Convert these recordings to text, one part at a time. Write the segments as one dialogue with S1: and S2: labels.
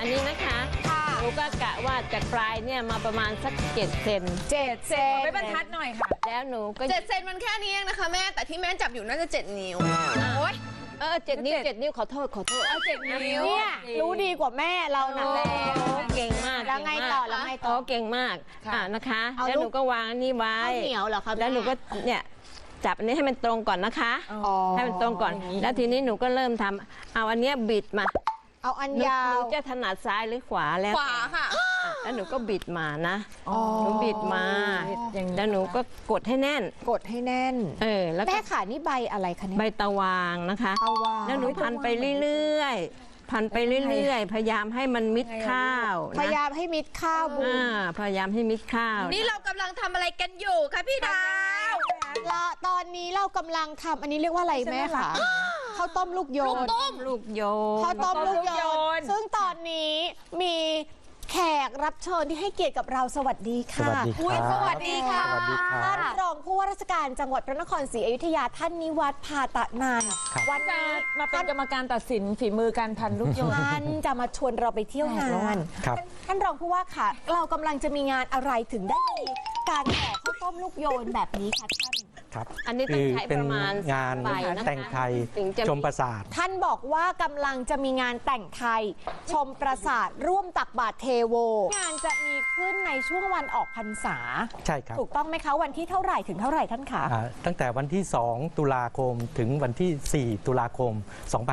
S1: นี้นะคะหนูก็กะว่าจากปลายเนี่ยมาประมาณสัก7 เซน
S2: 7 เซนไม่บรรทัดหน่อยค่ะ
S1: แล้วหนูก็
S3: 7 เซนมันแค่นี้เองนะคะแม่แต่ที่แม่จับอยู่น่าจะ7 นิ้วโอ๊ย
S1: 7 นิ้วขอโทษ
S2: 7 นิ้ว
S4: เนี่ยรู้ดีกว่าแม่เรานะ
S1: เก่งมาก
S4: แล้วไงต่อ
S1: เก่งมากนะคะแล้วหนูก็วางนี่ไว้
S4: เหนียวเหรอคะ
S1: แล้วหนูก็เนี่ยจับอันนี้ให้มันตรงก่อนนะคะให้มันตรงก่อนแล้วทีนี้หนูก็เริ่มทำเอาอันเนี้ยบิดมา
S4: เอาอันยาว
S1: หนูจะถนัดซ้ายหรือขวาแล้ว
S3: ขวาค่ะ
S1: แล้วหนูก็บิดมานะหนูบิดมาแล้วหนูก็กดให้แน่น
S4: แล้วแม่ขานี่ใบอะไรคะเนี่ย
S1: ใบตะวางนะคะแล้วหนูพันไปเรื่อยๆพยายามให้มันมิดข้าว
S4: พยายามให้มิดข้าวบู
S1: พยายามให้มิดข้าว
S3: นี่เรากำลังทำอะไรกันอยู่คะพี่ดาว
S4: ตอนนี้เรากำลังทำอันนี้เรียกว่าอะไรแม่คะข้าวต้มลูกโยน
S1: ข้าวต้มลูกโยน
S4: ซึ่งตอนนี้มีแขกรับเชิญที่ให้เกียรติกับเราสวัสดีค่ะ
S3: สวัสดีค่ะ
S4: ท่านรองผู้ว่าราชการจังหวัดพระนครศรีอยุธยาท่านนิวัฒน์ พาตะนันท์
S2: วันนี้มาเป็นกรรมการตัดสินฝีมือการพันลูกโยน
S4: ท่านจะมาชวนเราไปเที่ยวงานท่านรองผู้ว่าค่ะเรากำลังจะมีงานอะไรถึงได้มีการแห่ข้าวต้มลูกโยนแบบนี้คะท่าน
S5: ครับ
S1: อันนี้ต้องใช้ประมาณ
S5: งานแต่งไทยชมปราสาท
S4: ท่านบอกว่ากำลังจะมีงานแต่งไทยชมปราสาทร่วมตักบาตรเทโวงานจะมีขึ้นในช่วงวันออกพรรษา
S5: ใช่ครับ
S4: ถูกต้องไหมคะวันที่เท่าไหร่ถึงเท่าไหร่ท่านคะ
S5: ตั้งแต่วันที่2 ตุลาคมถึงวันที่4 ตุลาคม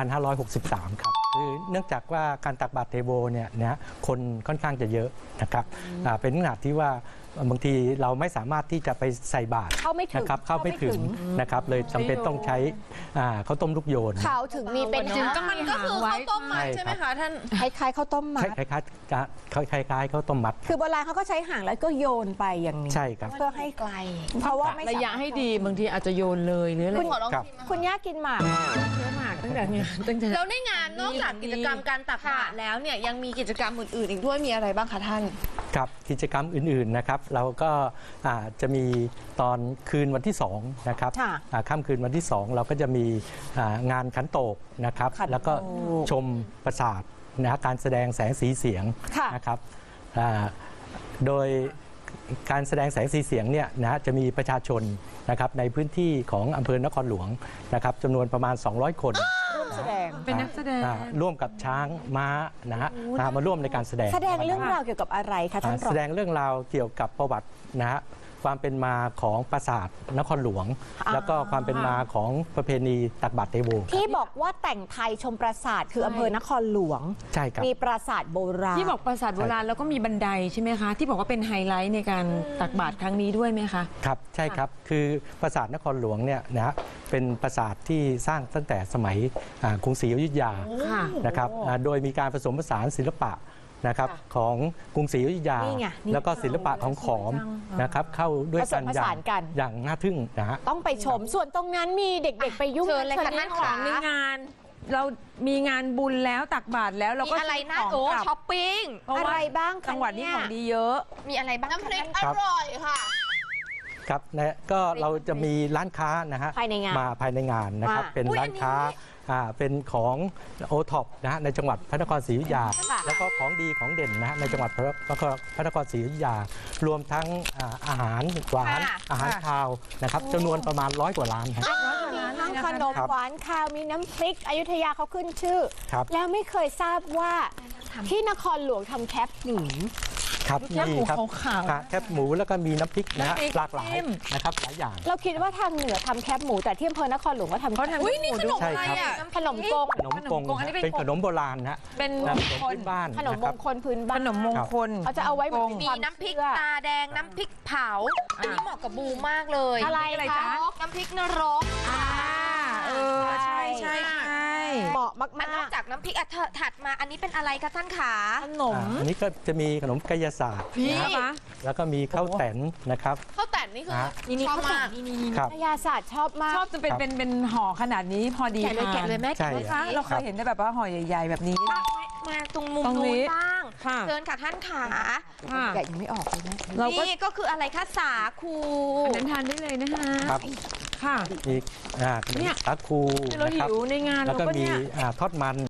S5: 2563 ครับคือเนื่องจากว่าการตักบาตรเทโวเนี่ยนะคนค่อนข้างจะเยอะนะครับเป็นขนาดที่ว่าบางทีเราไม่สามารถที่จะไปใส่บาตร
S4: เข้าไม่ถึง
S5: นะครับเลยจำเป็นต้องใช้ข้าวต้มลูกโยน
S4: เขาถึงมีเป็น
S3: มันก็คือข้าวต้มมัดใช่ไหมคะท่าน
S4: คล้ายๆข้าวต้มมัด
S5: คล้ายข้าวต้มมัด
S4: คือโบราณเขาก็ใช้หางแล้วก็โยนไปอย่างนี้
S5: ใช่ครับ
S4: เพื่อให้ไกลเพราะว่า
S2: ระยะให้ดีบางทีอาจจะโยนเลยหรืออะไร
S4: คุณย่ากินหมาก
S2: ตั้งแต่
S3: แล้วในงานนอกจากกิจกรรมการตักบาตรแล้วเนี่ยยังมีกิจกรรมอื่นๆอีกด้วยมีอะไรบ้างคะท่าน
S5: ครับกิจกรรมอื่นๆนะครับเราก็จะมีตอนคืนวันที่2นะครับค่ำคืนวันที่2เราก็จะมีงานขันโตกนะครับแล้วก็ชมปราสาทนะการแสดงแสงสีเสียงนะครับโดยการแสดงแสงสีเสียงเนี่ยนะจะมีประชาชนนะครับในพื้นที่ของอำเภอนครหลวงนะครับจำนวนประมาณ200 คน
S4: ร่วมแสดง
S2: เป็นนักแสดง
S5: ร่วมกับช้างม้านะฮะมาร่วมในการแสดง
S4: เรื่องราวเกี่ยวกับอะไรคะท่านรอง
S5: แสดงเรื่องราวเกี่ยวกับประวัตินะฮะความเป็นมาของปราสาทนครหลวงแล้วก็ความเป็นมาของประเพณีตักบาตรเทโว
S4: ที่บอกว่าแต่งไทยชมปราสาทคืออำเภอนครหลวง
S5: ใช่ครับ
S4: มีปราสาทโบราณ
S2: ที่บอกปราสาทโบราณแล้วก็มีบันไดใช่ไหมคะที่บอกว่าเป็นไฮไลท์ในการตักบาตรครั้งนี้ด้วยไหมคะ
S5: ครับใช่ครับคือปราสาทนครหลวงเนี่ยนะเป็นปราสาทที่สร้างตั้งแต่สมัยกรุงศรีอยุธยานะครับโดยมีการผสมผสานศิลปะนะครับของกรุงศรีอยุธยาแล้วก็ศิลปะของขอมนะครับเข้าด้วยกันอย่างน่าทึ่งนะฮะ
S4: ต้องไปชมส่วนตรงนั้นมีเด็กๆไปยุ่ง
S3: เลยค่ะท่าน
S2: ของในงานเรามีงานบุญแล้วตักบาตรแล้วเราก็
S3: อะไรนะช้อปปิ้ง
S4: อะไรบ้าง
S2: จังหวัดนี้ของดีเยอะ
S3: มีอะไรบ้างน้ำพริกอร่อยค่ะ
S5: ครับนะก็เราจะมีร้านค้านะฮะมาภายในงานนะครับเป็นร้านค้าเป็นของโอท็อปนะฮะในจังหวัดพระนครศรีอยุธยาแล้วก็ของดีของเด่นนะในจังหวัดพระนครศรีอยุธยารวมทั้งอาหารหวานอาหารคาวนะครับจำนวนประมาณ100 กว่าร้านครับ
S4: มีทั้งขนมหวานคาวมีน้ำพริกอยุธยาเขาขึ้นชื่อแล้วไม่เคยทราบว่าที่นครหลวงทำแคปหมู
S5: ครับมีครับแคบหมูแล้วก็มีน้ำพริกนะหลากหลายนะครับหลายอย่าง
S4: เราคิดว่าทางเหนือทำแคบหมูแต่ที่อำเภอนครหลวงก็ทำ
S3: อุ้ยนี่ขนมอะไรอ่ะ
S4: ขนมกง
S5: เป็นขนมโบราณนะ
S2: เป็น
S5: พื้นบ้าน
S4: ขนมมงคลพื้นบ้าน
S2: ขนมมงคล
S4: เขาจะเอาไว้
S3: มีน้ำพริกตาแดงน้ำพริกเผาอันนี้เหมาะกับบูมากเลย
S4: อะไรคะ
S3: น้ำพริกนรก
S2: ใช่
S4: เหมาะมาก
S3: นอกจากน้ำพริกถัดมาอันนี้เป็นอะไรคะท่านขา
S2: ขนม
S5: อันนี้ก็จะมีขนมกายศาสตร์นะแล้วก็มีข้าวแตนนะครับ
S3: ข้าวแตนนี่คือชอบมาก
S4: กายศาสตร์ชอบมาก
S2: ชอบจะเป็นห่อขนาดนี้พอดี
S3: แกะเลยแม่แกะเลยค่ะ
S2: เราเคยเห็นได้แบบว่าห่อใหญ่ๆแบบนี้
S3: มาตรงมุมนู้นบ้างเชิญค่ะท่านขา
S4: แกะยังไม่ออกเลยนะ
S3: นี่ก็คืออะไรคะสาคู
S2: อันนั้นทานได้เลยนะคะ
S5: ค่ะอีก
S2: เนี่ย
S5: สาคู
S2: เราหิวในงาน
S5: แล้วก็มีทอดมัน